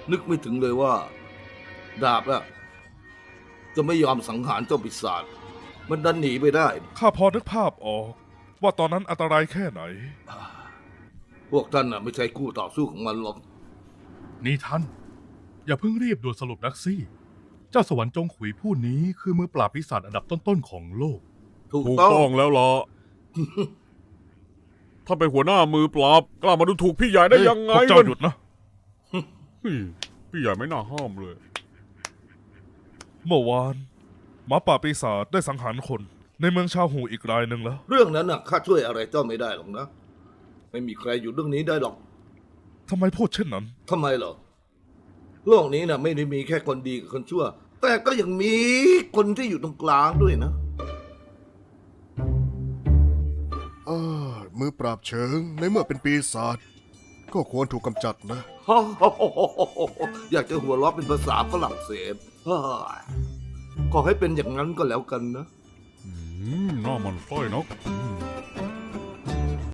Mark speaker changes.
Speaker 1: นึกไม่ถึงเลยว่า ดาบอะจะไม่ยอมสังหารเจ้าปีศาจมันดันหนีไปได้
Speaker 2: ข้าพอนึกภาพออก ว่าตอนนั้นอันตรายแค่ไหน
Speaker 1: พวกท่านน่ะไม่ใช่คู่ต่อสู้ของมันหรอก
Speaker 3: นี่ท่าน อย่าเพิ่งรีบด่วนสรุปนักซี่ เจ้าสวรรค์จงขุยผู้นี้คือมือปราบปีศาจอันดับต้นๆของโลก
Speaker 1: ถูก
Speaker 4: ถูก
Speaker 1: ต้อง
Speaker 4: ต้องแล้วล่ะ ถ้าเป็นหัวหน้ามือปราบกล้ามาดูถูกพี่ใหญ่ได้ยังไง
Speaker 2: พวกเจ้าหยุดนะ
Speaker 4: เฮ้ยพี่ใหญ่ไม่น่าห้ามเลย
Speaker 2: เมื่อวานหมาป่าปีศาจได้สังหารคน ในเมืองชาวหูอีกรายหนึ่งแล้ว
Speaker 1: เรื่องนั้นน่ะข้าช่วยอะไรเจ้าไม่ได้หรอกนะ ไม่มีใครอยู่เรื่องนี้ได้หรอก
Speaker 2: ทำไมพูดเช่นนั้น
Speaker 1: ทำไมเหรอโลกนี้น่ะไม่ได้มีแค่คนดีกับคนชั่ว แต่ก็ยังมีคนที่อยู่ตรงกลางด้วยนะ
Speaker 5: มือปราบเชิงในเมื่อเป็นปีศาจก็ควรถูกกำจัดนะ
Speaker 1: อยากจะหัวเราะเป็นภาษาฝรั่งเศสเฮ้ยขอให้เป็นอย่างนั้นก็แล้วกันนะ
Speaker 4: หน้ามันต้อยเนาะ